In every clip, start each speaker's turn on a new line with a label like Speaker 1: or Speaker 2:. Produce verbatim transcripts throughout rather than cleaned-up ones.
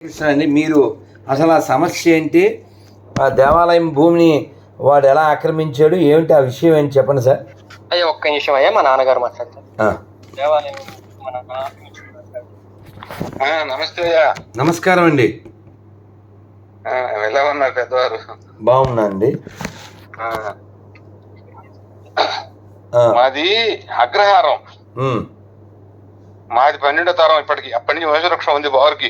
Speaker 1: అండి మీరు అసలు ఆ సమస్య ఏంటి? ఆ దేవాలయం భూమిని వాడు ఎలా ఆక్రమించాడు, ఏమిటి ఆ విషయం ఏంటి చెప్పండి సార్.
Speaker 2: అయ్యా ఒక్క నిమిషం అయ్యా, మా నాన్నగారు మాట్లాడతారు. దేవాలయం
Speaker 3: నమస్తే అయ్యా.
Speaker 1: నమస్కారం అండి.
Speaker 3: ఎలా ఉన్నారు పెద్దవారు?
Speaker 1: బాగున్నా అండి.
Speaker 3: మాది అగ్రహారం, మాది పన్నెండో తరం. ఇప్పటికి అప్పటి నుంచి వంశవృక్షం ఉంది బావురికి.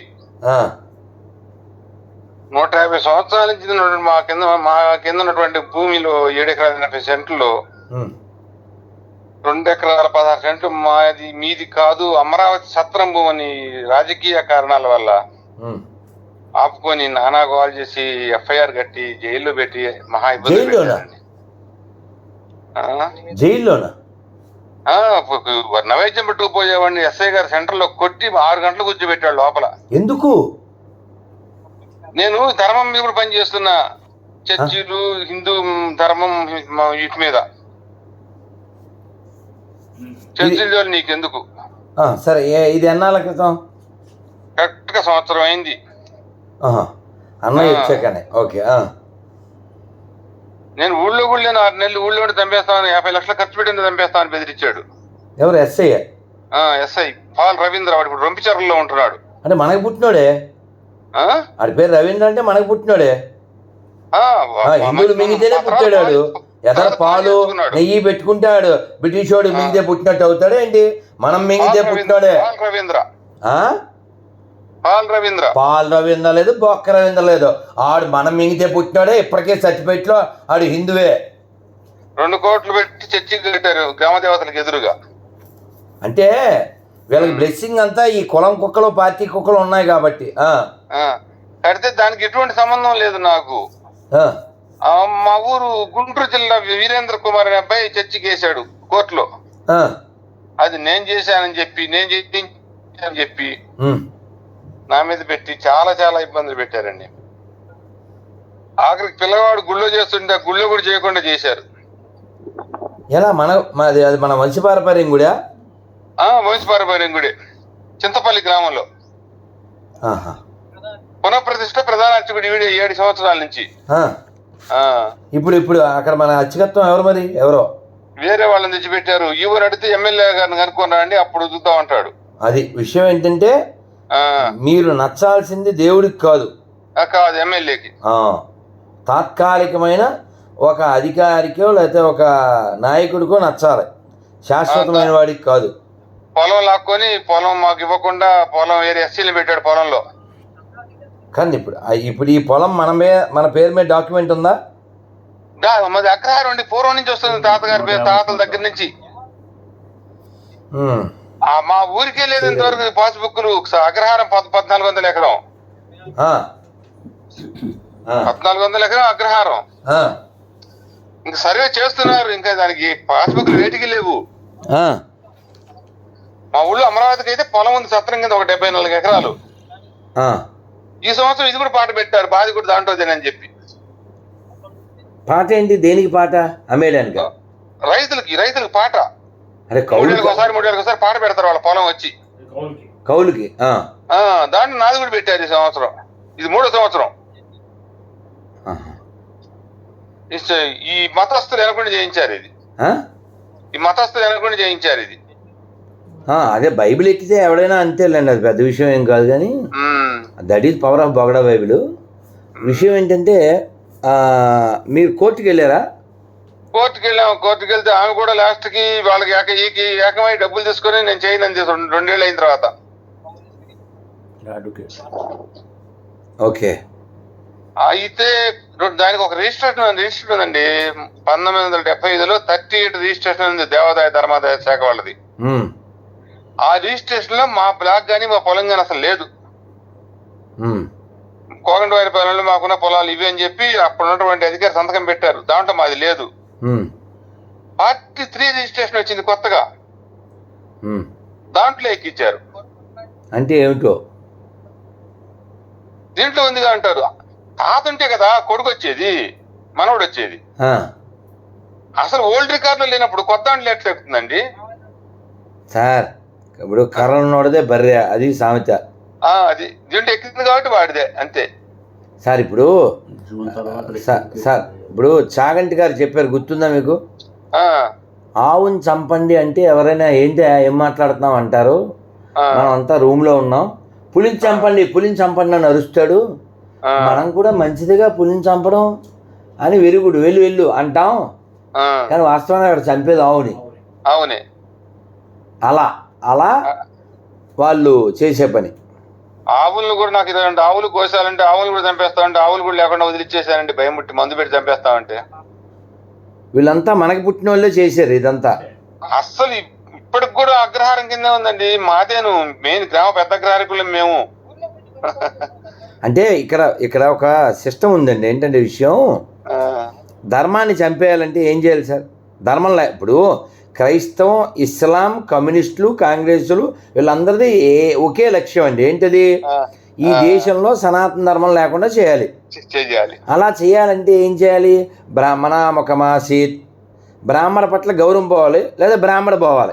Speaker 3: నూట యాభై సంవత్సరాల నుంచి మా కింద మా కింద ఉన్నటువంటి భూమిలో ఏడు ఎకరాల ఎనభై సెంట్లు, రెండు ఎకరాల పదహారు సెంట్లు మాది మీది కాదు, అమరావతి సత్రం భూమి అని రాజకీయ కారణాల వల్ల ఆపుకొని నానా గోల్ చేసి ఎఫ్ఐఆర్ కట్టి జైల్లో పెట్టి మహా ఇబ్బంది పెట్టారండి.
Speaker 1: జైల్లోనా?
Speaker 3: నైవేద్యం పెట్టుకుపోయేవాడిని ఎస్ఐ గారు సెంటర్ లో కొట్టి ఆరు గంటలు కూర్చోబెట్టాడు లోపల.
Speaker 1: ఎందుకు?
Speaker 3: నేను ధర్మం మీద పని చేస్తున్నా, చర్చిలు హిందూ ధర్మం వీటి మీద. చర్చిల నీకెందుకు?
Speaker 1: సరే, ఇది ఎన్నాళ్ళ క్రితం?
Speaker 3: కరెక్ట్ గా సంవత్సరం అయింది.
Speaker 1: అన్నయ్య వచ్చాకనే. ఓకే.
Speaker 3: నేను ఊళ్ళో కూడా లేను, ఆరు నెలలు ఊళ్ళో ఉండి చంపేస్తాను, యాభై లక్షలు ఖర్చు పెట్టింది చంపేస్తామని బెదిరించాడు.
Speaker 1: ఎవరు? ఎస్ఐ?
Speaker 3: SI Paul Ravindra. వాడు ఇప్పుడు రొంపిచర్లలో ఉంటున్నాడు.
Speaker 1: అంటే మనకి పుట్టినోడే. ఆడి పేరు రవీంద్ర అంటే మనకి పుట్టినోడే. హిందువులు మింగితేనే పుట్టాడు. ఎదర పాలు నెయ్యి పెట్టుకుంటాడు. బ్రిటిష్ వాడు మింగితే పుట్టినట్టు అవుతాడు ఏంటి? మనం మింగితే పుట్టినోడే.
Speaker 3: రవీంద్ర పాల్ రవీంద్ర
Speaker 1: పాల్ రవీంద్ర లేదు, బొక్క రవీంద్ర లేదు. ఆడు మనం మింగితే పుట్టినోడే. ఇప్పటికే సర్టిఫికెట్ లో ఆడు హిందువే.
Speaker 3: రెండు కోట్లు పెట్టి చర్చికి కట్టారు గ్రామ దేవతలకు ఎదురుగా.
Speaker 1: అంటే వీళ్ళకి బ్లెస్సింగ్ అంతా ఈ కులం కుక్కలు పార్టీ కుక్కలు ఉన్నాయి కాబట్టి.
Speaker 3: కడితే దానికి ఎటువంటి సంబంధం లేదు నాకు. మా ఊరు గుంటూరు జిల్లా వీరేంద్ర కుమార్ అనే అబ్బాయి చర్చికి వేశాడు కోర్టులో. అది నేను చేశానని చెప్పి, నేను చేయించానని చెప్పి నా మీద పెట్టి చాలా చాలా ఇబ్బందులు పెట్టారండి. ఆఖరికి పిల్లవాడు గుళ్ళో చేస్తుంటే గుళ్ళో కూడా చేయకుండా చేశారు.
Speaker 1: ఎలా? మన అది మన వంశపారపర్యం గుడి?
Speaker 3: వంశపారపర్యం గుడి, చింతపల్లి గ్రామంలో. పునఃప్రతిష్ఠ ప్రధాన అర్చకుడు వీడి ఏడు సంవత్సరాల నుంచి.
Speaker 1: ఇప్పుడు ఇప్పుడు అక్కడ మన అర్చకత్వం ఎవరు మరి? ఎవరో
Speaker 3: వేరే వాళ్ళని తెచ్చిపెట్టారు. ఈవో అడిగితే ఎమ్మెల్యే గారిని కనుక్కున్నా అండి, అప్పుడు చూద్దాం అంటాడు.
Speaker 1: అది విషయం ఏంటంటే, మీరు నచ్చాల్సింది దేవుడికి కాదు,
Speaker 3: కాదు ఎమ్మెల్యేకి.
Speaker 1: తాత్కాలికమైన ఒక అధికారికో లేకపోతే ఒక నాయకుడికో నచ్చాలి, శాశ్వతమైన వాడికి కాదు.
Speaker 3: పొలం లాక్కొని పొలం మాకు ఇవ్వకుండా పొలం వేరే ఎస్సీలు పెట్టాడు పొలంలో.
Speaker 1: కానీ ఇప్పుడు ఇప్పుడు ఈ పొలం మన మన పేరు మీద డాక్యుమెంట్ ఉందా?
Speaker 3: మాది అగ్రహారం అండి, పూర్వం నుంచి వస్తుంది తాతగారి పేరు, తాతల దగ్గర నుంచి. మా ఊరికే లేదు ఇంతవరకు పాస్బుక్లు. అగ్రహారం పద్నాలుగు వందల ఎకరం పద్నాలుగు వందల ఎకరం అగ్రహారం. ఇంకా సర్వే చేస్తున్నారు, ఇంకా దానికి పాస్బుక్లు వేటికి లేవు. మా ఊళ్ళో అమరావతికి అయితే పొలం ఉంది సత్రం కింద, ఒక డెబ్బై నాలుగు ఎకరాలు. ఈ సంవత్సరం ఇది కూడా పాట పెట్టారు, బాధ కూడా దాంట్లోదేనని చెప్పి.
Speaker 1: పాట ఏంటి? దేనికి పాట? అమ్మేయడానికి?
Speaker 3: రైతులకి రైతులకు పాట.
Speaker 1: అరే
Speaker 3: ఒకసారి మూడేళ్ళకి ఒకసారి పాట పెడతారు వాళ్ళ పొలం వచ్చి
Speaker 1: కౌలుకి.
Speaker 3: దాంట్లో నాది కూడా పెట్టారు ఈ సంవత్సరం. ఇది మూడో సంవత్సరం. ఈ మతస్థులు వెనకుండా చేయించారు ఇది. ఈ మతస్థులు వెనకుండా చేయించారు ఇది.
Speaker 1: అదే బైబిల్ ఎక్కితే ఎవడైనా అంతేలేండి, అది పెద్ద విషయం ఏం కాదు. కానీ దట్ ఈజ్ పవర్ ఆఫ్ బొగడా బైబిల్. విషయం ఏంటంటే, మీరు కోర్టుకి వెళ్ళారా?
Speaker 3: కోర్టుకి వెళ్ళాము. కోర్టుకి వెళ్తే ఆమె కూడా లాస్ట్ కి వాళ్ళకి ఏక ఈకి ఏకమై డబ్బులు తీసుకొని నేను చేయను రెండేళ్ళు అయిన తర్వాత.
Speaker 1: ఓకే.
Speaker 3: అయితే దానికి ఒక రిజిస్ట్రేషన్ రిజిస్టర్ ఉందండి, పంతొమ్మిది వందల డెబ్బై ఐదులో థర్టీ ఎయిట్ రిజిస్ట్రేషన్ ఉంది దేవాదాయ ధర్మాదాయ శాఖ వాళ్ళది. ఆ రిజిస్ట్రేషన్ లో మా బ్లాక్ గానీ మా పొలం గానీ అసలు లేదు. కోగండవారి పొలంలో మాకున్న పొలాలు ఇవి అని చెప్పి అప్పుడు ఉన్నటువంటి అధికారి సంతకం పెట్టారు, దాంట్లో మాది లేదు. ఫార్టీ త్రీ రిజిస్ట్రేషన్ వచ్చింది కొత్తగా, దాంట్లో ఎక్కిచ్చారు.
Speaker 1: అంటే ఏమిటో
Speaker 3: దీంట్లో ఉందిగా అంటారు. తాత ఉంటే కదా కొడుకు వచ్చేది, మనవడు వచ్చేది. అసలు ఓల్డ్ రికార్డులో లేనప్పుడు కొత్త దాంట్లో ఎట్లా ఎక్కుతుందండి
Speaker 1: సార్? ఇప్పుడు కర్ర ఉన్నోడదే బర్రె, అది సామెత.
Speaker 3: ఆ, అది దీంట్లో ఎక్కింది కాబట్టి వాడిదే అంతే.
Speaker 1: సార్ ఇప్పుడు సార్ సార్ ఇప్పుడు చాగంటి గారు చెప్పారు, గుర్తుందా మీకు?
Speaker 3: ఆ,
Speaker 1: ఆవుని చంపండి అంటే ఎవరైనా ఏంటి ఏం మాట్లాడుతున్నాం అంటారు.
Speaker 3: ఆ,
Speaker 1: మనం అంతా రూమ్లో ఉన్నాం. పులిని చంపండి పులిని చంపండి అని అరుస్తాడు.
Speaker 3: ఆ,
Speaker 1: మనం కూడా మంచిదిగా పులిని చంపడం అని వెరుగుడు వెళ్ళు వెళ్ళు అంటాం.
Speaker 3: ఆ,
Speaker 1: కానీ వాస్తవంగా అక్కడ చంపేది ఆవుని.
Speaker 3: అవునే.
Speaker 1: అలా అలా వాళ్ళు చేసే పని.
Speaker 3: ఆవులను కూడా నాకు ఇదండి, ఆవులు కోసాలంటే ఆవులు కూడా చంపేస్తామంటే ఆవులు కూడా లేకుండా వదిలిచ్చేసానండి, భయం ముట్టి మందు పెట్టి చంపేస్తామంటే.
Speaker 1: వీళ్ళంతా మనకి పుట్టిన వాళ్ళే చేశారు ఇదంతా.
Speaker 3: అస్సలు ఇ- ఇప్పటికి కూడా అగ్రహారం కిందే ఉందండి. మాదేను మెయిన్ గ్రామ పెద్ద అగ్రహారకులం మేము.
Speaker 1: అంటే ఇక్కడ ఇక్కడ ఒక సిస్టమ్ ఉందండి. ఏంటంటే విషయం,
Speaker 3: ఆ,
Speaker 1: ధర్మాన్ని చంపేయాలంటే ఏం చేయాలి సార్? ధర్మం లే ఇప్పుడు క్రైస్తవం, ఇస్లాం, కమ్యూనిస్టులు, కాంగ్రెస్లు వీళ్ళందరిది ఏ ఒకే లక్ష్యం అండి. ఏంటది?
Speaker 3: ఆ,
Speaker 1: ఈ దేశంలో సనాతన ధర్మం లేకుండా చేయాలి.
Speaker 3: చే- చేయాలి.
Speaker 1: అలా చేయాలంటే ఏం చేయాలి? బ్రాహ్మణ ముఖమాసీత్, బ్రాహ్మణ పట్ల గౌరవం పోవాలి, లేదా బ్రాహ్మణ పోవాలి.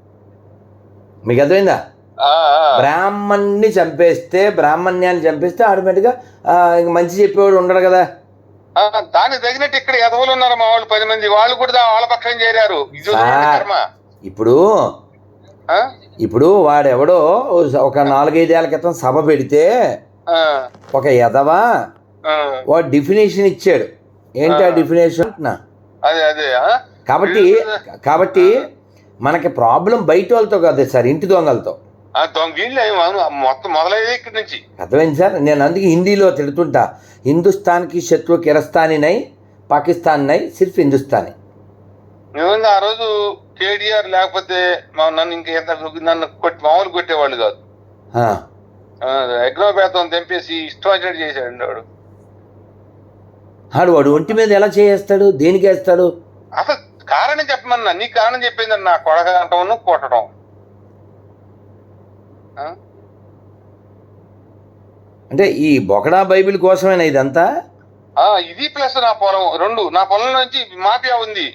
Speaker 1: మీకు అర్థమైందా?
Speaker 3: ఆ, ఆ,
Speaker 1: బ్రాహ్మణ్ణి చంపేస్తే, బ్రాహ్మణ్యాన్ని చంపేస్తే ఆటోమేటిక్గా ఇంక మంచి చెప్పేవాడు ఉండడు కదా.
Speaker 3: ఆ, దానికి తగినట్టు ఇక్కడ ఎదవలు ఉన్నారు మా వాళ్ళు పది మంది, వాళ్ళు కూడా దా- వాళ్ళ పక్షం చేరారు. ఇది చూడండి కర్మ.
Speaker 1: ఇప్పుడు
Speaker 3: ఆ?
Speaker 1: ఇప్పుడు వాడెవడో ఒక నాలుగైదేళ్ల క్రితం సభ పెడితే
Speaker 3: ఆ,
Speaker 1: ఒక ఎదవ
Speaker 3: ఆ,
Speaker 1: వాడు డిఫినేషన్ ఇచ్చాడు. ఏంటి ఆ డిఫినేషన్?
Speaker 3: అదే అదే ఆ?
Speaker 1: కాబట్టి కాబట్టి మనకి ప్రాబ్లం బయట వాళ్ళతో కాదు సార్, ఇంటి దొంగలతో.
Speaker 3: ఆ, దొంగ వీళ్ళే అవును, మొత్తం మొదలయ్యేది ఇక్కడి నుంచి.
Speaker 1: అర్థమైంది సార్? నేను అందుకే హిందీలో తిడుతుంటా, హిందుస్థాన్కి శత్రు కిరస్తానీ నై, పాకిస్తాన్ నై, సిర్ఫ్ హిందుస్థానీ.
Speaker 3: నిజంగా ఆ రోజు కేటీఆర్ లేకపోతే మా- నన్ను ఇంక ఎంత నన్ను కొట్టి మామూలు కొట్టేవాళ్ళు కాదు.
Speaker 1: ఆ,
Speaker 3: యజ్ఞోపేతం తెంపేసి ఇష్టం వచ్చినట్టు చేశాడు వాడు.
Speaker 1: ఆడు వాడు ఒంటి మీద ఎలా చేస్తాడు? దేనికి వేస్తాడు?
Speaker 3: అసలు కారణం చెప్పమన్నా, నీ కారణం చెప్పింది నా కొడక అంటాను కొట్టడం. ఆ?
Speaker 1: అంటే ఈ బొకడా బైబిల్ కోసమేనా ఇదంతా?
Speaker 3: ఆ, ఇది ప్లస్ నా పొలం రెండు, నా పొలం నుంచి మాఫియా ఉంది,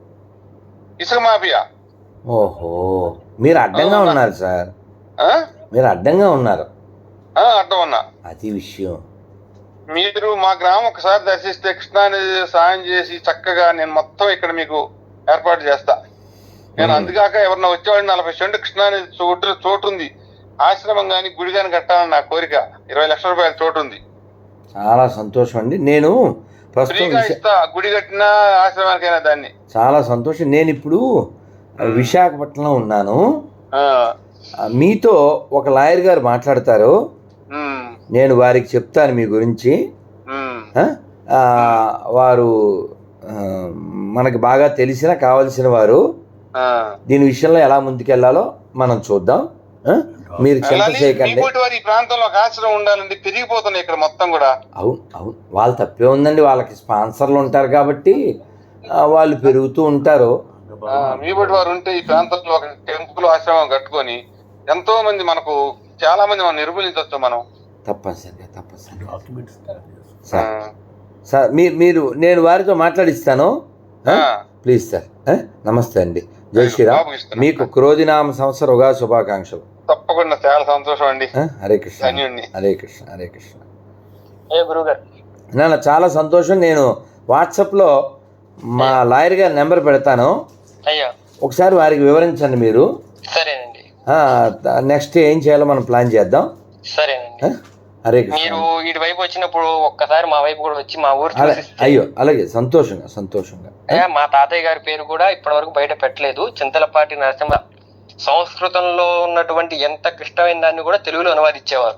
Speaker 3: ఇసుక మాఫియా.
Speaker 1: ఓహో, మీరు అడ్డంగా ఉన్నారు సార్,
Speaker 3: ఆ?
Speaker 1: మీరు అడ్డంగా ఉన్నారు.
Speaker 3: ఆ, అర్థం అన్నా.
Speaker 1: అది విషయం.
Speaker 3: మీరు మా గ్రామం ఒకసారి దర్శిస్తే కృష్ణానది సాయం చేసి చక్కగా నేను మొత్తం ఇక్కడ మీకు ఏర్పాటు చేస్తా. నేను అందుకాక ఎవరన్నా వచ్చేవాడిని నలభై సెంటు కృష్ణానది చోటు చోటు ఉంది, ఆశ్రమం కానీ గుడి కానీ కట్టాలని నా కోరిక. ఇరవై లక్షల రూపాయల చోటు ఉంది.
Speaker 1: చాలా సంతోషం అండి. నేను ప్రస్తుతం
Speaker 3: ఫ్రీగా
Speaker 1: విశా-
Speaker 3: ఇస్తా, గుడి కట్టినా ఆశ్రమానికైనా దాన్ని.
Speaker 1: చాలా సంతోషం. నేను ఇప్పుడు విశాఖపట్నంలో ఉన్నాను.
Speaker 3: ఆ,
Speaker 1: ఆ, మీతో ఒక లాయర్ గారు మాట్లాడతారు.
Speaker 3: ఉమ్,
Speaker 1: నేను వారికి చెప్తాను మీ గురించి.
Speaker 3: ఉమ్,
Speaker 1: ఆ, ఆ, వారు ఆ, మనకి బాగా తెలిసిన కావలసిన వారు.
Speaker 3: ఆ.
Speaker 1: దీని విషయంలో ఎలా ముందుకెళ్లాలో మనం చూద్దాం. ఆ? మీరు చింత
Speaker 3: వెళ్ళాలి.
Speaker 1: చేయకండి.
Speaker 3: మీకోటి వారి ఈ ప్రాంతంలో ఒక ఆశ్రమం ఉండాలండి, పెరిగిపోతున్నాయి ఇక్కడ మొత్తం కూడా.
Speaker 1: అవును అవును, వాళ్ళు తప్పే ఉందండి. వాళ్ళకి స్పాన్సర్లు ఉంటారు కాబట్టి ఆ, వాళ్ళు పెరుగుతూ ఉంటారు.
Speaker 3: ఆ, మీ బట్టి వారు ఉంటే ఈ ప్రాంతంలో ఒక టెంపుల్ ఆశ్రమం కట్టుకొని ఎంతో మంది మనకు చాలా మంది మనం నిర్మూలించవచ్చు మనం.
Speaker 1: తప్పనిసరిగా తప్పనిసరిగా
Speaker 3: ఆ,
Speaker 1: సార్. సార్ మీ మీరు నేను వారితో మాట్లాడిస్తాను.
Speaker 3: ఆ,
Speaker 1: ప్లీజ్ సార్. ఆ? నమస్తే అండి. జై శ్రీరామ్.
Speaker 3: బాబు ఇస్తున్నా.
Speaker 1: మీకు క్రోధినామ సంవత్సర ఉగాది శుభాకాంక్షలు.
Speaker 3: తప్పకుండా చాలా సంతోషం అండి.
Speaker 1: ఆ? హరే కృష్ణ
Speaker 3: ధన్యుణ్ణి.
Speaker 1: హరే కృష్ణ హరే కృష్ణ.
Speaker 2: ఏ గురుగారు,
Speaker 1: నాన్న చాలా సంతోషం. నేను వాట్సాప్లో మా లాయర్ గారి నెంబర్ పెడతాను,
Speaker 2: అయ్యా
Speaker 1: ఒకసారి వారికి వివరించండి మీరు.
Speaker 2: సరేనండి.
Speaker 1: నెక్స్ట్ ఏం చేయాలో మనం ప్లాన్ చేద్దాం.
Speaker 2: సరేనండి.
Speaker 1: ఆ? హరే కృష్ణ.
Speaker 2: మీరు ఇటు వైపు వచ్చినప్పుడు ఒక్కసారి మా వైపు కూడా వచ్చి మా ఊరు
Speaker 1: అలా-
Speaker 2: చూసి
Speaker 1: అయ్యో అలాగే, సంతోషంగా సంతోషంగా.
Speaker 2: అయ్యా, మా తాతయ్య గారి పేరు కూడా ఇప్పటి వరకు బయట పెట్టలేదు. చింతలపాటి నరసింహ. సంస్కృతంలో ఉన్నటువంటి ఎంత క్లిష్టమైన దాన్ని కూడా తెలుగులో అనువాదించేవారు.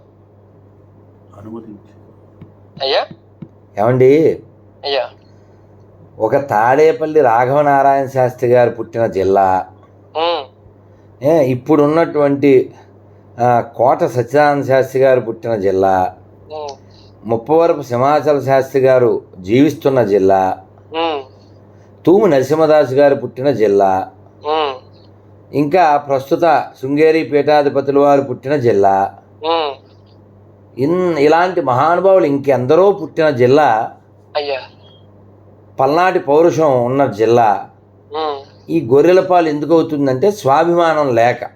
Speaker 2: అయ్యా
Speaker 1: ఏమండి,
Speaker 2: అయ్యా
Speaker 1: ఒక తాడేపల్లి రాఘవనారాయణ శాస్త్రి గారు పుట్టిన జిల్లా,
Speaker 2: ఉమ్,
Speaker 1: ఏ, ఇప్పుడున్నటువంటి ఆ, కోట సత్యనారాయణ శాస్త్రి గారు పుట్టిన జిల్లా,
Speaker 2: ఉమ్,
Speaker 1: ముప్పవరపు సింహాచల శాస్త్రి గారు జీవిస్తున్న జిల్లా,
Speaker 2: ఉమ్,
Speaker 1: తూము నరసింహదాసు గారు పుట్టిన జిల్లా,
Speaker 2: ఉమ్,
Speaker 1: ఇంకా ప్రస్తుత శృంగేరి పీఠాధిపతుల వారు పుట్టిన జిల్లా,
Speaker 2: ఉమ్,
Speaker 1: ఇన్ ఇలాంటి మహానుభావులు ఇంకెందరో పుట్టిన జిల్లా,
Speaker 2: అయ్యా
Speaker 1: పల్నాటి పౌరుషం ఉన్న జిల్లా.
Speaker 2: ఉమ్,
Speaker 1: ఈ గొర్రెల పాలు ఎందుకు అవుతుందంటే స్వాభిమానం లేక.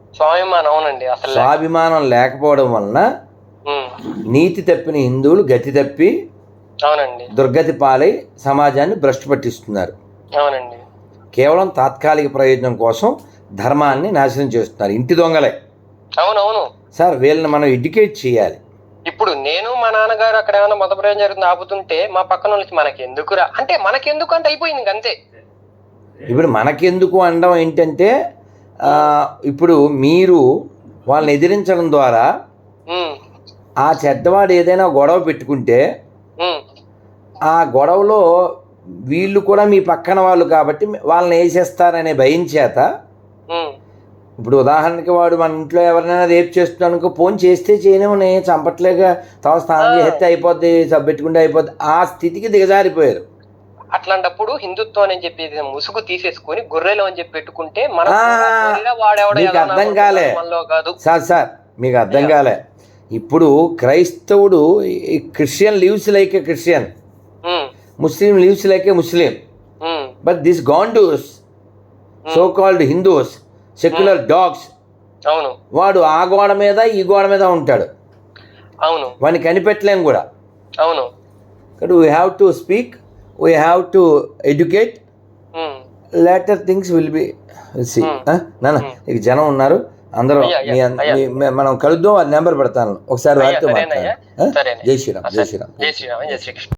Speaker 2: స్వాభిమానం, అవునండి. అసలు
Speaker 1: స్వాభిమానం లేకపోవడం వలన నీతి తప్పిన హిందువులు గతి తప్పి
Speaker 2: అవునండి
Speaker 1: దుర్గతి పాలై సమాజాన్ని భ్రష్టు పట్టిస్తున్నారు.
Speaker 2: అవునండి.
Speaker 1: కేవలం తాత్కాలిక ప్రయోజనం కోసం ధర్మాన్ని నాశనం చేస్తున్నారు. ఇంటి దొంగలే.
Speaker 2: అవునవును
Speaker 1: సార్, వీళ్ళని మనం ఎడ్యుకేట్ చేయాలి.
Speaker 2: ఇప్పుడు నేను మా నాన్నగారు అక్కడ ఏమైనా మత ప్రయోజనం జరుగుతుంది ఆపుతుంటే మా పక్కన వాళ్ళకి మనకి ఎందుకురా అంటే మనకెందుకు అంటే అయిపోయింది అంతే.
Speaker 1: ఇప్పుడు మనకెందుకు అనడం ఏంటంటే ఇప్పుడు మీరు వాళ్ళని ఎదిరించడం ద్వారా ఆ చెడ్డవాడు ఏదైనా గొడవ పెట్టుకుంటే ఆ గొడవలో వీళ్ళు కూడా మీ పక్కన వాళ్ళు కాబట్టి వాళ్ళని వేసేస్తారనే భయం చేత, ఇప్పుడు ఉదాహరణకి వాడు మన ఇంట్లో ఎవరినైనా రేపు చేస్తున్నానుకో ఫోన్ చేస్తే చేయనివని చంపట్లేక తవ స్నానం చేస్తే అయిపోద్ది, పెట్టుకుంటే అయిపోద్ది, ఆ స్థితికి దిగజారిపోయారు.
Speaker 2: అట్లాంటప్పుడు హిందుత్వం అని చెప్పి ముసుగు తీసేసుకుని గొర్రెలు అని చెప్పి పెట్టుకుంటే
Speaker 1: మీకు అర్థం కాలే సార్ సార్ మీకు అర్థం కాలే. ఇప్పుడు క్రైస్తవుడు Christian lives like a Christian, Muslim lives like a Muslim, but this గాండూస్ so called Hindus secular dogs,
Speaker 2: అవును,
Speaker 1: వాడు ఆ గోడ మీద ఈ గోడ మీద ఉంటాడు.
Speaker 2: అవును,
Speaker 1: వాడిని కనిపెట్టలేం కూడా.
Speaker 2: అవును,
Speaker 1: but we have to speak, we have to educate, later things will be see. నాన్న ఇక జనం ఉన్నారు అందరూ, మనం కలుద్దాం. అది నెంబర్ పెడతాను, ఒకసారి వారితో మాట్లాడాలి. జై శ్రీరామ్, జై శ్రీరామ్, జై శ్రీరామ్, జై శ్రీకృష్ణ.